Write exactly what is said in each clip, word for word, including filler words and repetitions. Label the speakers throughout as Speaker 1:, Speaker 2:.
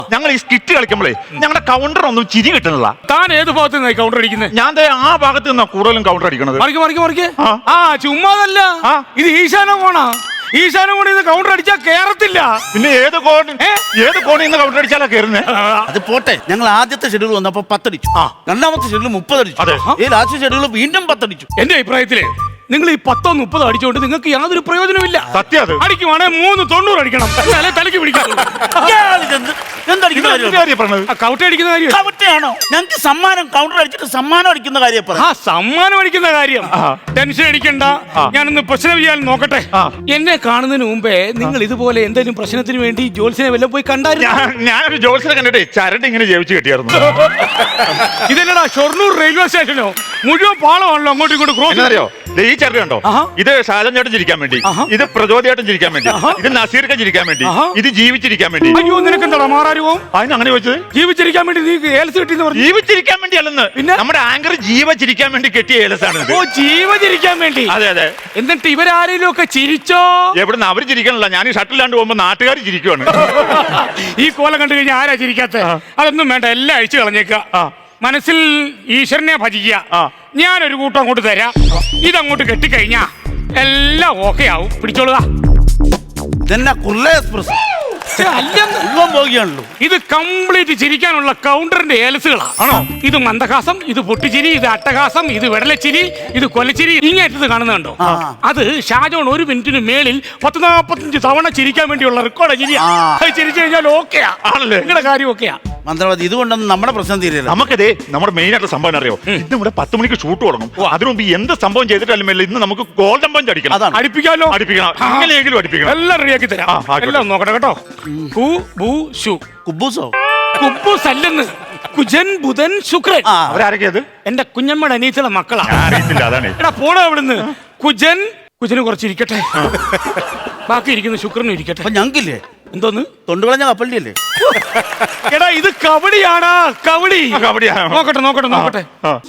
Speaker 1: ഞങ്ങൾ ഈ സ്കിറ്റ് കളിക്കുമ്പോഴേ ഞങ്ങളുടെ കൗണ്ടർ ഒന്നും ചിരി കിട്ടുന്നില്ല.
Speaker 2: താൻ ഏത് ഭാഗത്ത് നിന്നായി കൗണ്ടർ അടിക്കുന്നത്?
Speaker 1: ഞാൻ ദേ ആ ഭാഗത്ത് നിന്നാ കൂടുതലും കൗണ്ടർ അടിക്കണത്.
Speaker 2: മറിക്ക് മറിക്ക് മറിക്ക്. ആ ചുമ്മാതല്ല, ഇത് ഈശാന കോണാ. ഈശാന കോണിൽ നിന്ന് കൗണ്ടർ അടിച്ചാൽ കേറത്തില്ല.
Speaker 1: പിന്നെ ഏത് കോൺ ഏത് കോണിൽ നിന്ന് കൗണ്ടർ അടിച്ചാലാ കയറുന്നേ?
Speaker 3: അത് പോട്ടെ. ഞങ്ങൾ ആദ്യത്തെ ഷെഡ്യൂൾ വന്നപ്പോ പത്തടിച്ചു, രണ്ടാമത്തെ ഷെഡ്യൂൾ മുപ്പതടിച്ചു, ഈ ലാസ്റ്റ് ഷെഡ്യൂൾ വീണ്ടും പത്തടിച്ചു.
Speaker 2: എന്റെ അഭിപ്രായത്തില് നിങ്ങൾ ഈ പത്തോ മുപ്പതോ അടിച്ചോണ്ട് നിങ്ങൾക്ക് യാതൊരു പ്രയോജനമില്ല.
Speaker 1: സത്യം അത്.
Speaker 2: അടിക്കുവാണെങ്കിൽ മൂന്ന് തൊണ്ണൂറ് അടിക്കണം, എന്നാലേ തലയ്ക്ക് പിടിക്കാം. കൗട്ട അടിക്കുന്ന കാര്യം
Speaker 3: കവട്ടയാണോ? ഞങ്ങൾക്ക് സമ്മാനം കൗണ്ടർ അടിച്ചിട്ട് സമ്മാനം അടിക്കുന്ന കാര്യം
Speaker 2: ആ സമ്മാനം അടിക്കുന്ന കാര്യം ടെൻഷൻ അടിക്കണ്ട. ഞാനൊന്ന് പ്രശ്നം ചെയ്യാൻ നോക്കട്ടെ. എന്നെ കാണുന്നതിന് മുമ്പേ നിങ്ങൾ ഇതുപോലെ എന്തെങ്കിലും പ്രശ്നത്തിന് വേണ്ടി ജോത്സ്യനെ വല്ലതും പോയി കണ്ടായിരുന്നു?
Speaker 1: ഞാനൊരു ജോത്സ്യനെ കണ്ടിട്ടേ ചരട് ഇങ്ങനെ ജയിച്ചു കെട്ടിയായിരുന്നു.
Speaker 2: ഇതെന്നടാ ഷൊർണൂർ റെയിൽവേ സ്റ്റേഷനോ? മുഴുവൻ പാളമാണല്ലോ അങ്ങോട്ടും ഇങ്ങോട്ടും ക്രോസ്.
Speaker 1: അറിയോ ഈ ചരട് കണ്ടോ? ഇത് ഷാജൻ ചേട്ടൻ ചിരിക്കാൻ വേണ്ടി, ഇത് പ്രചോദയായിട്ടും ചിരിക്കാൻ വേണ്ടി, ഇത് നസീർക്ക ചിരിക്കാൻ വേണ്ടി, ഇത് ജീവിച്ചിരിക്കാൻ വേണ്ടി.
Speaker 2: അയ്യോ നിനക്കെന്താ മാറാരുവോ?
Speaker 1: അതിന് അങ്ങനെ ചോദിച്ചത്?
Speaker 2: ജീവിച്ചിരിക്കാൻ വേണ്ടി നീ ഏലസ് കിട്ടിയെന്ന് പറഞ്ഞു.
Speaker 1: ജീവിച്ചിരിക്കാൻ വേണ്ടി അല്ലെന്ന്, പിന്നെ നമ്മുടെ ആങ്കർ ജീവച്ചിരിക്കാൻ വേണ്ടി കെട്ടിയ ഏലസാണ്.
Speaker 2: ഓ ജീവചരിക്കാൻ വേണ്ടി.
Speaker 1: അതെ അതെ.
Speaker 2: എന്നിട്ട് ഇവരാരെങ്കിലും ഒക്കെ ചിരിച്ചോ?
Speaker 1: എവിടുന്ന് അവര് ചിരിക്കണല്ല, ഞാൻ ഈ ഷട്ടിലാണ്ട് പോകുമ്പോ നാട്ടുകാർ ചിരിക്കുവാണ്.
Speaker 2: ഈ കോലം കണ്ടു കഴിഞ്ഞാൽ ആരാ ചിരിക്കാത്ത? അതൊന്നും വേണ്ട, എല്ലാം അഴിച്ചു കളഞ്ഞേക്ക. മനസ്സിൽ ഈശ്വരനെ ഭജിക്കുക. ഞാനൊരു കൂട്ടം അങ്ങോട്ട് തരാം, ഇതങ്ങോട്ട് കെട്ടിക്കഴിഞ്ഞാ എല്ലാം ഓക്കെ ആവും. പിടിച്ചോളുക. ഇത് കംപ്ലീറ്റ് ചിരിക്കാനുള്ള കൗണ്ടറിന്റെ ഏലസുകളാണ്. ആണോ? ഇത് മന്ദഹാസം, ഇത് പൊട്ടിച്ചിരി, ഇത് അട്ടഹാസം, ഇത് വെടലച്ചിരി, ഇത് കൊലച്ചിരി. ഇങ്ങേറ്റത് കാണുന്നുണ്ടോ? അത് ഷാജോൺ ഒരു മിനിറ്റിന് മേളിൽ പത്ത് നാപ്പത്തഞ്ച് തവണ ചിരിക്കാൻ വേണ്ടിയുള്ള റെക്കോർഡ് ചിരിയാ. ചിരിച്ചു കഴിഞ്ഞാൽ ഓക്കെയാ ആണല്ലേ? നിങ്ങളുടെ കാര്യം ഓക്കെയാ.
Speaker 3: മന്ത്രവാദി ഇതുകൊണ്ടൊന്നും നമ്മുടെ പ്രശ്നം തീരില്ല.
Speaker 1: നമുക്കതേ നമ്മുടെ മെയിൻ ആയിട്ടുള്ള സംഭവം അറിയോ? ഇന്ന് ഇവിടെ പത്ത് മണിക്ക് ഷൂട്ട് തുടങ്ങും. അതിനു മുമ്പ് എന്ത് സംഭവം ചെയ്തിട്ടല്ലേ ഇന്ന് നമുക്ക് ഗോൾഡൻ പഞ്ച് അടിക്കണം.
Speaker 2: അതാണ് അടിപ്പിക്കാലോ.
Speaker 1: അടിപ്പിക്കണം, എങ്ങനെയെങ്കിലും അടിപ്പിക്കണം.
Speaker 2: എല്ലാം റെഡിയാക്കി തരാം. എല്ലാം നോക്കട്ടെ കേട്ടോ.
Speaker 3: കുബൂസോ?
Speaker 2: കുബൂസ് അല്ലെന്ന്, കുജൻ ബുധൻ ശുക്രൻ.
Speaker 1: അവരാരൊക്കെയത്?
Speaker 2: എന്റെ കുഞ്ഞമ്മയുടെ അനീച്ചയുടെ മക്കളാ.
Speaker 1: അറിയത്തില്ല, അതാണ്.
Speaker 2: എടാ പോണോ അവിടുന്ന്. കുജൻ കുജന് കുറച്ചിരിക്കട്ടെ, ബാക്കി ഇരിക്കുന്ന ശുക്രനും ഇരിക്കട്ടെ.
Speaker 3: ഞങ്ങൾക്കില്ലേ
Speaker 2: എന്തോന്ന്?
Speaker 3: തൊണ്ടുകളഞ്ഞ കപ്പലിന്റെ അല്ലേ?
Speaker 2: എടാ ഇത് കബഡിയാടാ, കബഡി.
Speaker 1: കബഡിയാണ്.
Speaker 2: നോക്കട്ടെ നോക്കട്ടെ നോക്കട്ടെ.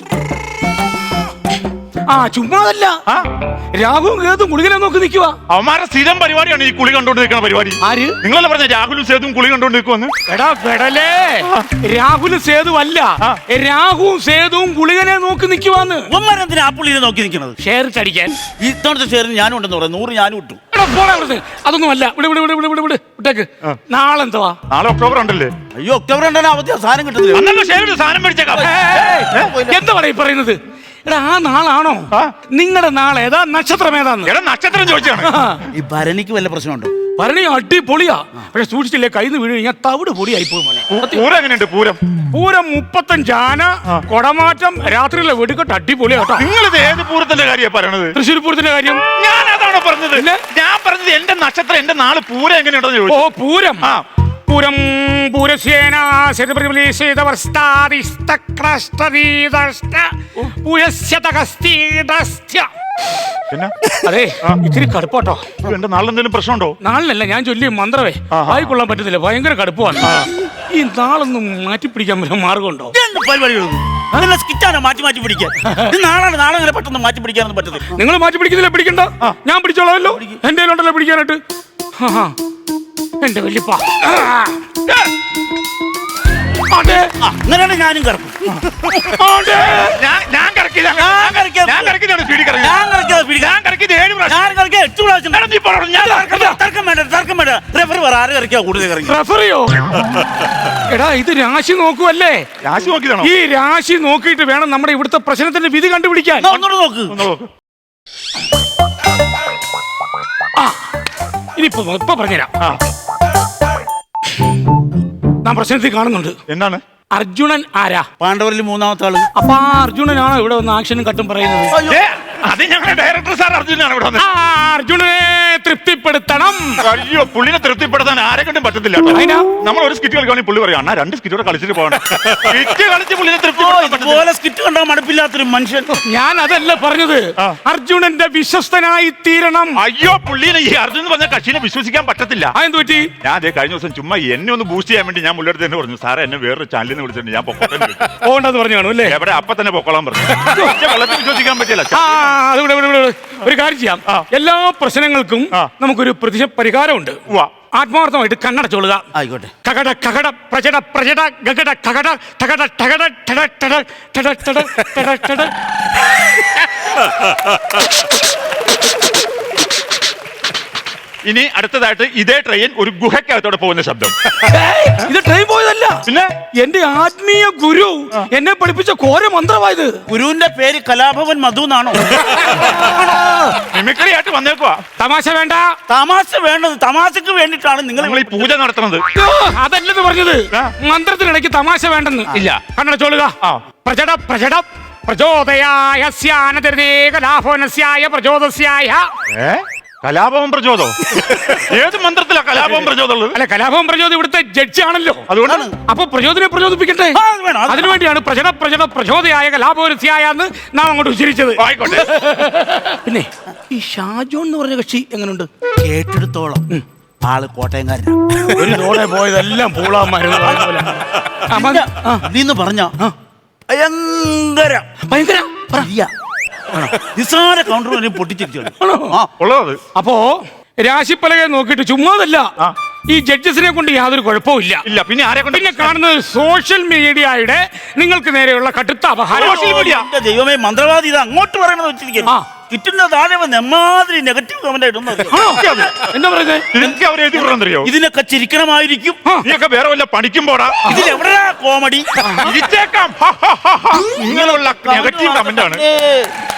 Speaker 2: ആ ചുമ്മാതല്ല, രാഹുലും കേതും കുളികനെ നോക്കി നിൽക്കുക.
Speaker 1: അവന്മാരുടെ സ്ഥിരം പരിപാടിയാണ് ഈ കുളി കണ്ടോണ്ട് നിൽക്കുന്ന പരിപാടി.
Speaker 2: ആര്?
Speaker 1: നിങ്ങളല്ലേ പറഞ്ഞ രാഹുലും സേതും കുളി കണ്ടോണ്ട് നിൽക്കുവന്ന്?
Speaker 2: എടാ പെടലേ, രാഹുലും സേതു അല്ല, രാഹുവും സേതുവും കുളികനെ നോക്കി നിൽക്കുവാന്ന്.
Speaker 3: ഒന്നരത്തിന് ആ പുള്ളിനെ നോക്കി നിൽക്കുന്നത്
Speaker 2: ഷെയർ അടിക്കാൻ.
Speaker 3: ഇത്തവണത്തെ ഷെയറിന് ഞാനും ഉണ്ടെന്ന് പറയാം, നൂറ് ഞാനും ഇട്ടു.
Speaker 2: അതൊന്നും അല്ല, ഇവിടെ ഇവിടെ ഇവിടെ ഇവിടെ ഇവിടെ വിട്ടേക്ക്. നാളെ എന്തുവാ?
Speaker 1: നാളെ ഒക്ടോബർ ഉണ്ടല്ലേ?
Speaker 3: അയ്യോ ഒക്ടോബർ രണ്ടാണ് അവധി, സാധനം കിട്ടുന്നില്ല.
Speaker 1: സാധനം മേടിച്ചേക്കാം.
Speaker 2: എന്താ പറയും പറയുന്നത്? എടാ ആ നാളാണോ? നിങ്ങളുടെ നാളെ ഏതാ? നക്ഷത്രം ഏതാന്ന്?
Speaker 1: എടാ നക്ഷത്രം ചോദിച്ചാണ്.
Speaker 3: ഈ ഭരണിക്ക് വല്ല പ്രശ്നമുണ്ടോ?
Speaker 2: ഭരണി അടിപൊളിയാ, പക്ഷെ സൂക്ഷിച്ചില്ലേ കയ്യിൽ നിന്ന് വീണ് കഴിഞ്ഞാൽ തവിട് പൊടിയായി പോയി മോനെ.
Speaker 1: പൂരം എങ്ങനെയുണ്ട്? പൂരം
Speaker 2: പൂരം മുപ്പത്തഞ്ച് ആന, കൊടമാറ്റം, രാത്രിയിലെ വെടിക്കെട്ട് അടിപൊളിയാ കേട്ടോ.
Speaker 1: നിങ്ങൾ ഇത് ഏത് പൂരത്തിന്റെ കാര്യമാണ് പറയണത്?
Speaker 2: തൃശ്ശൂർ പൂരത്തിന്റെ കാര്യം
Speaker 1: ഞാൻ അതാണോ പറഞ്ഞത്? ഞാൻ പറഞ്ഞത് എന്റെ നക്ഷത്രം, എന്റെ നാള് പൂരം എങ്ങനെയുണ്ടെന്ന് ചോദിച്ചു.
Speaker 2: ഓ പൂരം. പൂരം പൂരസ്യേന അതെ ഇത്തിരി കടുപ്പാട്ടോ.
Speaker 1: എന്റെ നാളിലെന്തെങ്കിലും പ്രശ്നമുണ്ടോ?
Speaker 2: നാളിനല്ല, ഞാൻ ചൊല്ലിയ മന്ത്രമേ വായിക്കൊള്ളാൻ പറ്റത്തില്ല, ഭയങ്കര കടുപ്പമാണ്. ഈ നാളൊന്നും മാറ്റിപ്പിടിക്കാൻ പറ്റുന്ന മാർഗമുണ്ടോ?
Speaker 3: പരിപാടികളൊന്നും സ്കിറ്റാണ് മാറ്റി മാറ്റി പിടിക്കാൻ. നാളാണ്, നാളെ അങ്ങനെ പെട്ടെന്ന് മാറ്റി പിടിക്കാനൊന്നും പറ്റത്തില്ല.
Speaker 2: നിങ്ങൾ മാറ്റി പിടിക്കുന്നില്ല, പിടിക്കണ്ട, ഞാൻ പിടിച്ചോളാമല്ലോ. എന്റെ കയ്യിലുണ്ടല്ലോ പിടിക്കാനായിട്ട്. എന്റെ വല്യപ്പ
Speaker 3: അങ്ങനെയാണ് ഞാനും കറക്കും.
Speaker 1: ഞാൻ കറക്കില്ല, ഞാൻ കറക്കിയതാണ് സ്പീഡിൽ കറങ്ങി.
Speaker 3: ഞാൻ കറക്കിയത് ഞാൻ കറക്കിയത് ഏഴ് പ്രാവശ്യം, ഞാൻ കറക്കിയത് എട്ട് പ്രാവശ്യം. തർക്കം വേണ്ട, തർക്കം വേണ്ട. റെഫറി പറ, ആര് കറക്കിയാ കൂടുതൽ കറങ്ങി?
Speaker 2: റെഫറിയോ? എടാ ഇത് രാശി നോക്കുവല്ലേ?
Speaker 1: രാശി നോക്കിയതാണോ?
Speaker 2: ഈ രാശി നോക്കിയിട്ട് വേണം നമ്മുടെ ഇവിടുത്തെ പ്രശ്നത്തിന്റെ വിധി കണ്ടുപിടിക്കാൻ.
Speaker 3: ഒന്നുകൂടെ നോക്ക്.
Speaker 2: ആ ഇനിയിപ്പോ ഇപ്പൊ പറഞ്ഞുതരാം. നാം പ്രശ്നത്തിൽ കാണുന്നുണ്ട്.
Speaker 1: എന്താണ്?
Speaker 2: അർജുനൻ ആരാ?
Speaker 3: പാണ്ഡവരിൽ മൂന്നാമത്തെ ആള്.
Speaker 2: അപ്പൊ ആ അർജുനനാണോ ഇവിടെ വന്ന് ആക്ഷനും കട്ടും പറയുന്നത്?
Speaker 1: അത് ഞങ്ങളുടെ ഡയറക്ടർ സാർ അർജുനാണ് ഇവിടെ വന്നത്.
Speaker 2: അർജുനനെ തൃപ്തിപ്പെടുത്തണം.
Speaker 1: അയ്യോ പുള്ളിനെ തൃപ്തിപ്പെടുത്താൻ ആരെ കൊണ്ടും പറ്റത്തില്ല. നമ്മൾ ഒരു സ്കിറ്റ് കളിക്കുകയാണെങ്കിൽ പുള്ളി പറയാം അണ്ണാ രണ്ട് സ്കിറ്റോടെ കളിച്ചിട്ട് പോകണം. സ്കിറ്റ് കളിച്ച് പുള്ളിനെ തൃപ്തിപ്പെടുത്താൻ
Speaker 3: സ്കിറ്റ് കണ്ടാൽ മടുപ്പില്ലാത്തൊരു മനുഷ്യൻ.
Speaker 2: ഞാൻ അതല്ല പറഞ്ഞത്, അർജുനന്റെ വിശ്വസ്തനായി തീരണം.
Speaker 1: അയ്യോ പുള്ളിനെ ഈ അർജുൻ പറഞ്ഞ കക്ഷിനെ വിശ്വസിക്കാൻ പറ്റത്തില്ല.
Speaker 2: അതെന്ത് പറ്റി?
Speaker 1: ഞാൻ അതേ കഴിഞ്ഞ ദിവസം ചുമ്മാ എന്നെ ഒന്ന് ബൂസ്റ്റ് ചെയ്യാൻ വേണ്ടി ഞാൻ പുള്ളിയുടെ തന്നെ പറഞ്ഞു, സാറേ എന്നെ വേറൊരു ചാനലിൽ നിന്ന് വിളിച്ചിട്ടുണ്ട്, ഞാൻ പൊക്കോട്ടെ
Speaker 2: പോകണ്ടെന്ന് പറഞ്ഞു കാണും അല്ലേ?
Speaker 1: എവിടെ അപ്പൊ തന്നെ പൊക്കോളാൻ പറഞ്ഞു. വെള്ളത്തിൽ വിശ്വസിക്കാൻ പറ്റില്ല.
Speaker 2: ഒരു കാര്യം ചെയ്യാം, എല്ലാ പ്രശ്നങ്ങൾക്കും നമുക്കൊരു പ്രതിശ പരിഹാരമുണ്ട്. ആത്മാർത്ഥമായിട്ട് കണ്ണടച്ചോളുക.
Speaker 3: ആയിക്കോട്ടെ.
Speaker 2: കകട കകട പ്രജട പ്രജട ഗഗട കകട ടകട ടകട ടട ടട ടട ടട ടട ടട.
Speaker 1: ഇനി അടുത്തതായിട്ട് ഇതേ ട്രെയിൻ ഒരു ഗുഹയ്ക്കകത്തോടെ പോകുന്ന ശബ്ദം.
Speaker 2: ഇത് ട്രെയിൻ പോയതല്ല,
Speaker 1: പിന്നെ
Speaker 2: എന്റെ ആത്മീയ ഗുരു എന്നെ പഠിപ്പിച്ച ഘോര മന്ത്രമായത്.
Speaker 3: ഗുരുവിന്റെ പേര് കലാഭവൻ മധു എന്നാണോ?
Speaker 1: മിമിക്രി ആയിട്ട് വന്നേക്കുവാ.
Speaker 2: തമാശ വേണ്ട.
Speaker 3: തമാശ വേണ്ടത് തമാശക്ക് വേണ്ടിയിട്ടാണ് നിങ്ങൾ
Speaker 1: നിങ്ങൾ ഈ പൂജ നടത്തുന്നത്.
Speaker 2: അയ്യോ, അതല്ലെന്ന് പറഞ്ഞത്.
Speaker 1: ആ.
Speaker 2: മന്ത്രത്തിനിടയ്ക്ക് തമാശ വേണ്ടെന്ന്.
Speaker 1: ഇല്ല.
Speaker 2: കണ്ണടച്ചോളുക.
Speaker 1: ആ.
Speaker 2: പ്രജട പ്രജട പ്രചോദയായ സ്യാനതിർദേകലാഭവനസ്യായ പ്രചോദസ്യായ.
Speaker 1: ഏ കലാപവും പ്രചോദോ? ഏത് മന്ത്രത്തിലാ കലാപവും പ്രചോദം ഉള്ളത്?
Speaker 2: അല്ല, കലാഭവൻ പ്രചോദം ഇവിടുത്തെ ജഡ്ജി ആണല്ലോ.
Speaker 1: അതുകൊണ്ടാണ്
Speaker 2: അപ്പൊ പ്രചോദനെ പ്രചോദിപ്പിക്കട്ടെ.
Speaker 3: ആ, അത് വേണം, അത്
Speaker 2: അതിനുവേണ്ടിയാണ് പ്രചട പ്രചട പ്രചോദയായ കലാഭവനസ്യായ എന്ന് നാം അങ്ങോട്ട് ഉച്ചരിച്ചത്.
Speaker 1: ആയിക്കോട്ടെ.
Speaker 2: പിന്നെ ഈ ഷാജോൺ എന്ന് പറഞ്ഞ കക്ഷി എങ്ങനെയുണ്ട്?
Speaker 3: കേട്ടെടുത്തോളം ആള് കോട്ടയംകാരനാ.
Speaker 2: ഒരു തോടെ പോയതെല്ലാം പൂളാമായിരുന്നു.
Speaker 3: നീന്ന് പറഞ്ഞ ഭയങ്കര
Speaker 2: ഭയങ്കര
Speaker 3: പ്രിയ. നിസാര കൗണ്ടർ പൊട്ടിച്ചിരിച്ചു.
Speaker 1: ഉള്ളത്.
Speaker 2: അപ്പോ രാശിപ്പലകെ നോക്കിയിട്ട് ചുമ്മാതല്ല,
Speaker 1: ആ.
Speaker 2: ഈ ജഡ്ജസിനെ കൊണ്ട് യാതൊരു കുഴപ്പമില്ല.
Speaker 1: ഇല്ല, പിന്നെ ആരെ കൊണ്ട്?
Speaker 2: പിന്നെ കാണുന്നത് സോഷ്യൽ മീഡിയയുടെ നിങ്ങൾക്ക് നേരെയുള്ള കടുത്ത അപഹാരം.
Speaker 1: Social media.
Speaker 3: എന്റെ ദൈവമേ, മന്ത്രവാദി ഇത് അങ്ങോട്ട് പറയണത് വെച്ചിരിക്കുന്നു.
Speaker 2: ആ.
Speaker 3: കിറ്റുന്ന താഴെ വന്ന് എമ്മാതിരി നെഗറ്റീവ് കമന്റ് ആയിട്ടൊന്നും
Speaker 2: ആണോ? എന്താ പറയുന്നത്?
Speaker 1: ഇതൊക്കെ അവർ എഴുതി വിടണമെന്നറിയോ?
Speaker 3: ഇതിനൊക്കെ ചിരിക്കണമായിരിക്കും.
Speaker 1: നീയൊക്കെ വേറെ വല്ല പണിക്കും പോടാ.
Speaker 3: ഇതിലെവിടെയാ കോമഡി?
Speaker 1: ഇരിച്ചേക്കാം. ഇങ്ങനെയുള്ള നെഗറ്റീവ് കമന്റ് ആണ്.
Speaker 3: ഏ